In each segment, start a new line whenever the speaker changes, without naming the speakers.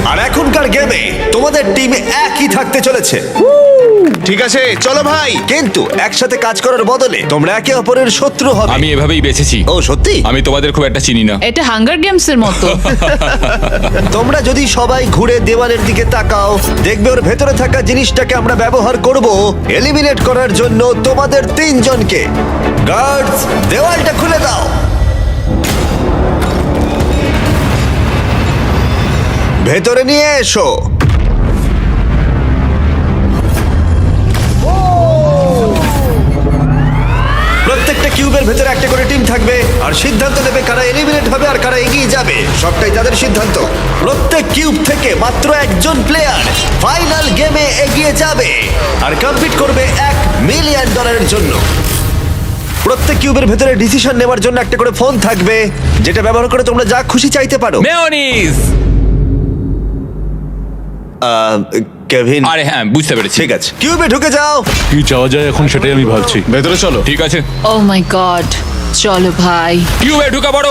আর এখনকার গেমে তোমাদের টিম একই থাকতে চলেছে,
ঠিক আছে চলো ভাই।
কিন্তু একসাথে কাজ করার বদলে তোমরা একে অপরের শত্রু হবে।
আমি এভাবেই বেঁচেছি।
ও সত্যি?
আমি তোমাদের খুব একটা চিনি না।
এটা হাঙ্গার গেমস এর মতো।
তোমরা যদি সবাই ঘুরে দেওয়ালের দিকে তাকাও, দেখবে ওর ভেতরে থাকা জিনিসটাকে আমরা ব্যবহার করব এলিমিনেট করার জন্য তোমাদের তিনজনকে। গার্ডস, দেওয়ালটা খুলে দাও। ভেতরে নিয়ে এসো। প্রত্যেকটা কিউবের ভেতরে একটা করে টিম থাকবে আর সিদ্ধান্ত নেবে কারা এলিমিনেট হবে আর কারা এগিয়ে যাবে। সবটাই তাদের সিদ্ধান্ত। প্রত্যেক কিউব থেকে মাত্র একজন প্লেয়ার ফাইনাল গেমে এগিয়ে যাবে আর কম্পিট করবে $1,000,000 জন্য। প্রত্যেক কিউবের ভেতরে ডিসিশন নেওয়ার জন্য একটা করে ফোন থাকবে, যেটা ব্যবহার করে তোমরা যা খুশি চাইতে পারো।
মেয়োনিজ।
কেভিন,
আরে হ্যাঁ, বুঝতে পেরেছি।
ঠিক আছে, কিউবে ঢুকে যাও।
কি চাওয়া যায় এখন সেটাই আমি ভাবছি।
ভেতরে চলো।
ঠিক আছে,
ও মাই গড, চলো ভাই।
কিউবে ঢুকা পড়ো।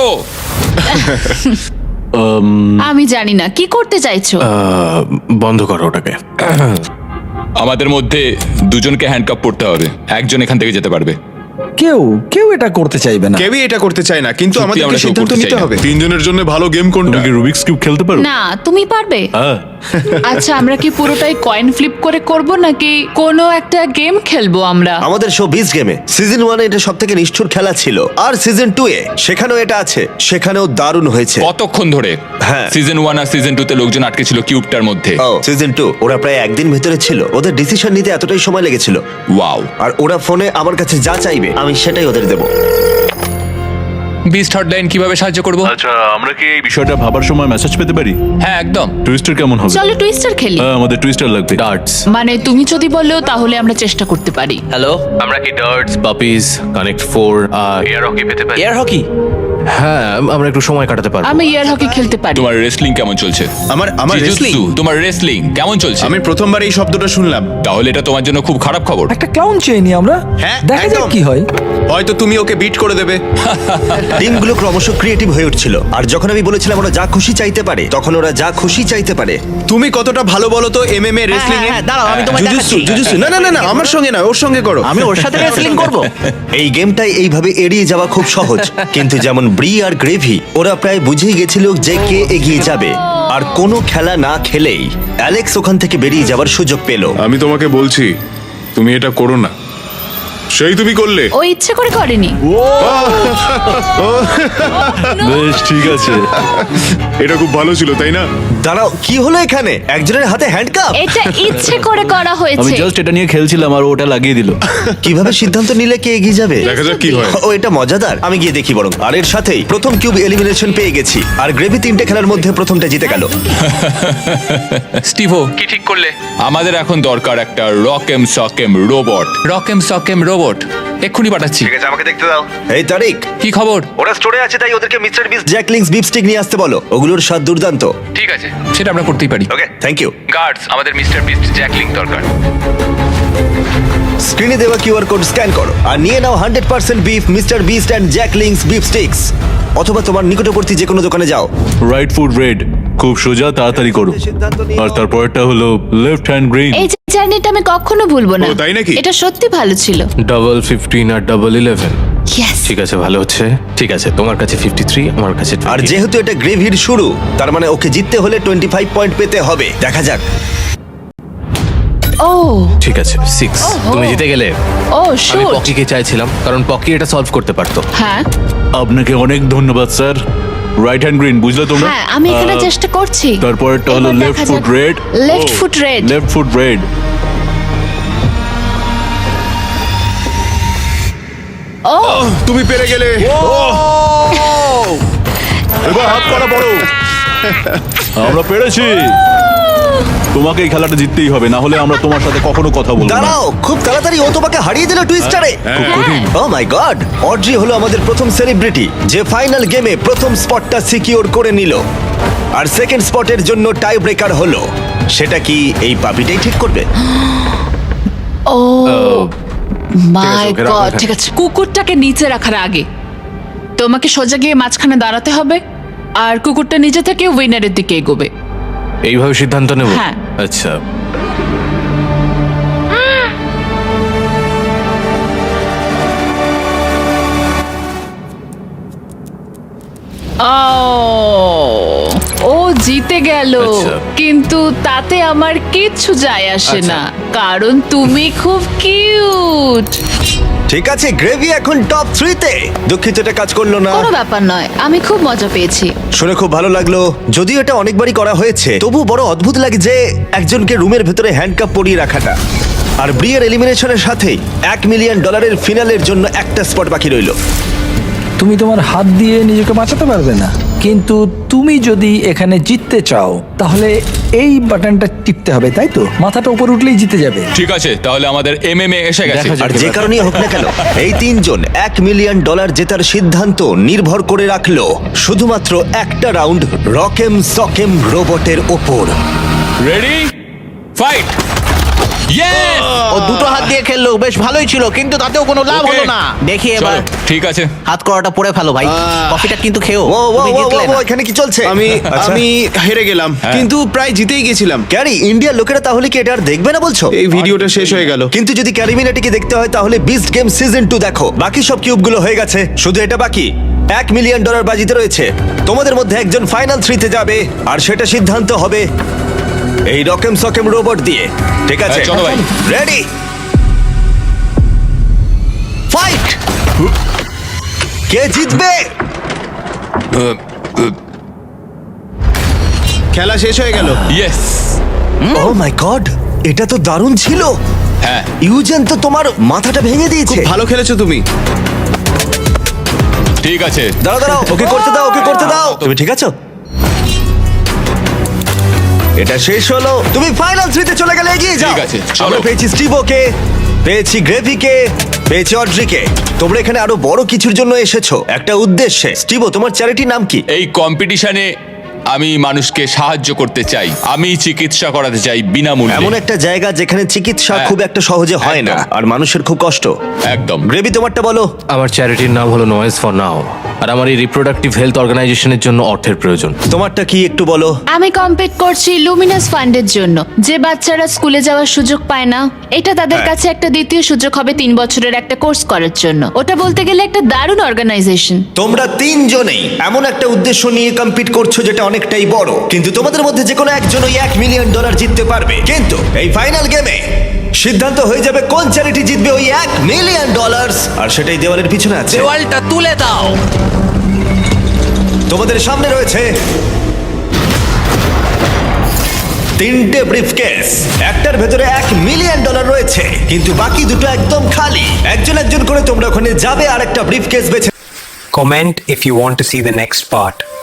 আমি জানি না কি করতে চাইছো।
বন্ধ করো ওটাকে।
আমাদের মধ্যে দুজনকে হ্যান্ডকাপ পড়তে হবে, একজন এখান থেকে যেতে পারবে।
কেউ এটা করতে চাইবে না।
কেউই এটা করতে চায় না, কিন্তু
সত্যি
আমাদেরকে
আমরা কেউ
সিদ্ধান্ত
করতে
নিতে
চাই না।
হবে।
তিনজনের জন্য ভালো গেম কোনটা?
তুমি কি রুবিক্স কিউব খেলতে পারো?
না, তুমি পারবে।
হ্যাঁ।
আচ্ছা, আমরা কি পুরোটাই কয়েন ফ্লিপ করে করব নাকি কোনো একটা গেম খেলবো আমরা?
আমাদের শো 20 গেমে সিজন 1 এটা সবথেকে নিষ্ঠুর খেলা ছিল, আর সিজন 2 এ সেখানেও এটা আছে, সেখানেও দারুণ হয়েছে।
কতক্ষণ ধরে?
হ্যাঁ।
সিজন 1 আর সিজন 2 তে লোকজন আটকে ছিল কিউবটার মধ্যে।
ও সিজন 2 ওরা প্রায় একদিন ভেতরে ছিল, ওদের ডিসিশন নিতে এতটাই সময় লেগেছিল।
ওয়াও।
আর ওরা ফোনে আমার কাছে যা চাইবে আমি সেটাই ওদের দেবো।
বিস্ট হটলাইন কিভাবে সাহায্য করব?
আচ্ছা, আমরা কি এই বিষয়টা ভাবার সময় মেসেজ পেতে পারি?
হ্যাঁ একদম।
টুইস্টার কেমন হবে?
চলো টুইস্টার খেলি।
হ্যাঁ, আমাদের টুইস্টার লাগবে।
ডার্টস।
মানে তুমি যদি বলো তাহলে আমরা চেষ্টা করতে পারি।
হ্যালো, আমরা কি darts, puppies, connect 4 air hockey পেতে পারি? Air hockey? হ্যাঁ, আমরা একটু সময় কাটাতে পারবো।
আমি এয়ার হকি খেলতে পারি।
তোমার রেসলিং কেমন চলছে?
আমার
জিজুৎসু,
wrestling?
তোমার রেসলিং কেমন চলছে?
আমি প্রথমবার এই শব্দটা শুনলাম।
তাহলে এটা তোমার জন্য খুব খারাপ খবর।
একটা ক্লাউন চেয়ে নি আমরা,
হ্যাঁ,
দেখা যাক
একদম।
কি হয়।
হয়তো তুমি ওকে বিট করে দেবে।
টিমগুলো ক্রমশ ক্রিয়েটিভ হয়ে উঠছিল, আর যখন আমি বলেছিলাম ওরা যা খুশি চাইতে পারে, তখন ওরা যা খুশি চাইতে পারে।
তুমি কতটা ভালো বলো তো এমএমএ রেসলিং এ?
দাঁড়াও, আমি তোমায়
জুজুৎসু,
দেখাচ্ছি।
জুজুৎসু। না না না না, আমার সঙ্গে না, ওর সঙ্গে করো।
আমি ওর সাথে রেসলিং করব।
এই গেমটাই এইভাবে এড়িয়ে যাওয়া খুব সহজ, কিন্তু যেমন ব্রি আর গ্রেভি ওরা প্রায় বুঝেই গেছিল যে কে এগিয়ে যাবে। আর কোনো খেলা না খেলেই অ্যালেক্স ওখান থেকে বেরিয়ে যাওয়ার সুযোগ পেল।
আমি তোমাকে বলছি তুমি এটা করো না, সেই তুমি করলে।
ও ইচ্ছে করে করেনি।
বেশ, ঠিক আছে।
এটা খুব ভালো ছিল তাই না?
দাঁড়াও, কি হলো এখানে? একজনের হাতে হ্যান্ডকাপ?
এটা ইচ্ছে করে করা
আমি
হয়েছে।
জাস্ট এটা নিয়ে খেলছিলাম আর ওটা লাগিয়ে দিল।
কিভাবে সিদ্ধান্ত নিলে কে এগিয়ে যাবে?
দেখা যাক কি হয়।
ও, এটা মজাদার। আমি গিয়ে দেখি বরং। আর এর সাথেই প্রথম কিউব এলিমিনেশন পেয়ে গেছি, আর গ্রেভি 3টে খেলার মধ্যে প্রথমটা জিতে গেল।
স্টিভো, কি ঠিক করলে? আমাদের এখন দরকার একটা রকেম সকেম রোবট। রকেম সকেম রোবট এক্ষুনি পাঠাচ্ছি।
ঠিক আছে, আমাকে দেখতে দাও। এই তারিক,
কি খবর?
ওরা স্টোরে আছে, তাই ওদেরকে mister Beast Jack Link's beef stick নিয়ে আসতে বলো। ওগুলোর স্বাদ দুর্দান্ত।
ঠিক আছে, সেটা আমরা করতেই পারি।
Okay, thank you.
গার্ডস, আমাদের মিস্টার বিস্ট জ্যাকলিং দরকার।
স্ক্রিনে দেওয়া কিউআর কোড স্ক্যান করো আর নিয়ে নাও 100% beef mister Beast and Jack Link's beef sticks. অথবা তোমার নিকটবর্তী যে কোনো দোকানে যাও।
রাইট ফুট রেড, খুব সোজা, তাড়াতাড়ি করো। আর তারপরটা হলো লেফট হ্যান্ড গ্রিন।
এই যে জার্নিটা আমি কখনো ভুলবো না।
ও, তাই নাকি?
এটা সত্যি ভালো ছিল।
ডাবল 15 আর ডাবল 11।
ইয়েস।
ঠিক আছে, ভালো হচ্ছে। ঠিক আছে, তোমার কাছে 53, আমার কাছে 20।
আর যেহেতু এটা গ্রেভির শুরু, তার মানে ওকে জিততে হলে 25 পয়েন্ট পেতে হবে। দেখা যাক।
ও
ঠিক আছে, 6। তুমি জিতে গেলে।
ও
আমি
শুট।
পকিকে চাইছিলাম, কারণ পকি এটা সলভ করতে পারতো।
হ্যাঁ
আপনাকে অনেক ধন্যবাদ স্যার। রাইট হ্যান্ড গ্রিন, বুঝলে তোমরা?
হ্যাঁ, আমি এখানে চেষ্টা করছি।
তারপরটা হলো
এবার
লেফট
দেখা
ফুট
যাক।
Red.
Left foot red.
Left foot red.
ও
তুমি পেরে গেলে।
এবার হাত করা বড়। আমরা পেরেছি। তোমাকে এই খেলাটা জিততেই হবে, না হলে আমরা তোমার সাথে কখনো কথা বলবো না।
দাঁড়াও, খুব তাড়াতাড়ি ও তোমাকে হারিয়ে দিল টুইস্টারে।
খুব কঠিন।
ও মাই গড, অড্রি হলো আমাদের প্রথম সেলিব্রিটি যে ফাইনাল গেমে প্রথম স্পটটা সিকিউর করে নিল। আর সেকেন্ড স্পটের জন্য টাই ব্রেকার হলো। সেটা কি এই পাপিটাই ঠিক করবে?
ও মাই
ওকে রাখো
গড।
এখানে।
ঠিক আছে, কুকুরটাকে নিচে রাখার আগে তোমাকে সোজা গিয়ে মাঝখানে দাঁড়াতে হবে, আর কুকুরটা নিজে থেকে উইনারের দিকে এগোবে।
এইভাবে সিদ্ধান্ত নেব?
হ্যাঁ।
আচ্ছা,
ও জিতে গেল,
আচ্ছা।
কিন্তু তাতে আমার কিচ্ছু যায় আসে
আচ্ছা।
না, কারণ তুমি খুব কিউট।
ঠিক আছে, গ্রেভি এখন টপ 3 তে। দুঃখিত এটা কাজ করলো না।
কোনো ব্যাপার নয়, আমি খুব মজা পেয়েছি।
শুনে খুব ভালো লাগলো। যদিও এটা অনেকবারই করা হয়েছে, তবু বড় অদ্ভুত লাগে যে একজনকে রুমের ভেতরে হ্যান্ডকাপ পরিয়ে রাখাটা। আর ব্রিয়ের এলিমিনেশনের সাথেই $1 মিলিয়ন ফিনালের জন্য একটা স্পট বাকি রইল।
তুমি তোমার হাত দিয়ে নিজেকে বাঁচাতে পারবে না, কিন্তু তুমি যদি এখানে জিততে চাও তাহলে এই বাটনটা টিপতে হবে, তাই তো? মাথাটা উপর উঠলেই জিতে যাবে।
ঠিক আছে, তাহলে আমাদের এমএমএ এসে গেছে।
দেখা যাক।
আর যে কারণেই হোক না কেন, এই তিনজন $1 মিলিয়ন জেতার সিদ্ধান্ত নির্ভর করে রাখলো শুধুমাত্র একটা রাউন্ড রকেম সকেম রোবটের ওপর।
Ready, fight! ইয়েস!
ও দুটো হাত দিয়ে খেললো, বেশ ভালোই ছিল, কিন্তু তাতেও কোনো লাভ
Okay.
হলো না। দেখি এবার
ঠিক আছে।
হাত করাটা পরে ফেলো ভাই, কফিটা কিন্তু খেও।
ও ও
তুমি
ও,
জিতলে
ও,
না।
এখানে কি চলছে?
আমি
আচ্ছা।
আমি হেরে গেলাম, কিন্তু প্রায় জিতেই গেছিলাম।
ক্যারি, ইন্ডিয়ার লোকেরা তাহলে কি এটা আর দেখবে না বলছো?
এই ভিডিওটা শেষ হয়ে গেল।
কিন্তু যদি ক্যারিমিনাটিকে দেখতে হয় তাহলে বিস্ট গেম সিজন 2 দেখো। বাকি সব কিউবগুলো হয়ে গেছে, শুধু এটা বাকি। $1 মিলিয়ন বাজিতে রয়েছে। তোমাদের মধ্যে একজন ফাইনাল 3 তে যাবে, আর সেটা সিদ্ধান্ত হবে এই রকেম সকেম রোবট দিয়ে। ঠিক আছে,
হ্যাঁ, চলো ভাই।
Ready, fight! কে জিতবে?
খেলা শেষ হয়ে গেল।
ইয়েস!
ও মাই গড, এটা তো দারুণ ছিল।
হ্যাঁ,
ইউজেন তো তোমার মাথাটা ভেঙে দিয়েছে।
ভালো খেলেছো তুমি।
ঠিক আছে।
দাঁড়াও দাঁড়াও, ওকে করতে দাও, ওকে করতে দাও। তুমি ঠিক আছো? এটা শেষ হলো, তুমি ফাইনাল 3 তে চলে গেলে, এগিয়ে যাও।
ঠিক আছে, চলো।
আমরা পেয়েছি স্টিভোকে, পেয়েছি গ্রেভিকে, পেয়েছি অড্রিকে। তোমরা এখানে আরো বড় কিছুর জন্য এসেছো, একটা উদ্দেশ্যে। স্টিভো, তোমার চ্যারিটির নাম কি?
এই কম্পিটিশনে আমি মানুষকে সাহায্য করতে চাই। আমি চিকিৎসা করাতে চাই
এমন
বিনামূল্যে।
একটা জায়গা যেখানে চিকিৎসা
হ্যাঁ।
খুব একটা সহজে হয় না,
একদম।
আর মানুষের খুব কষ্ট।
একদম।
গ্রেভি, তোমারটা বলো।
আমার চ্যারিটির নাম হলো নয়েজ ফর নাও, আর আমার এই রিপ্রোডাক্টিভ হেলথ অর্গানাইজেশনের জন্য অর্থের প্রয়োজন।
তোমারটা কি একটু বলো।
আমি কম্পিট করছি লুমিনাস ফান্ডের জন্য, যে বাচ্চারা স্কুলে যাওয়ার সুযোগ পায় না। এটা তাদের
হ্যাঁ।
কাছে একটা দ্বিতীয় সুযোগ হবে 3 বছরের একটা কোর্স করার জন্য। ওটা বলতে গেলে একটা দারুণ অর্গানাইজেশন।
তোমরা তিনজনেই এমন একটা উদ্দেশ্য নিয়ে কম্পিট করছো যেটা অনেকটাই বড়, কিন্তু তোমাদের মধ্যে যে কোনো একজনই $1 মিলিয়ন জিততে পারবে। কিন্তু এই ফাইনাল গেমে সিদ্ধান্ত হয়ে যাবে কোন চ্যারিটি জিতবে ওই $1 মিলিয়ন, আর সেটাই দেওয়ালের পিছনে আছে।
দেওয়ালটা তুলে দাও।
তোমাদের সামনে রয়েছে 3টে ব্রিফকেস। একটার ভেতরে $1 মিলিয়ন রয়েছে, কিন্তু বাকি দুটো একদম খালি। একজন একজন করে তোমরা ওখানে যাবে আর একটা ব্রিফকেস বেছে।
Comment if you want to see the next part.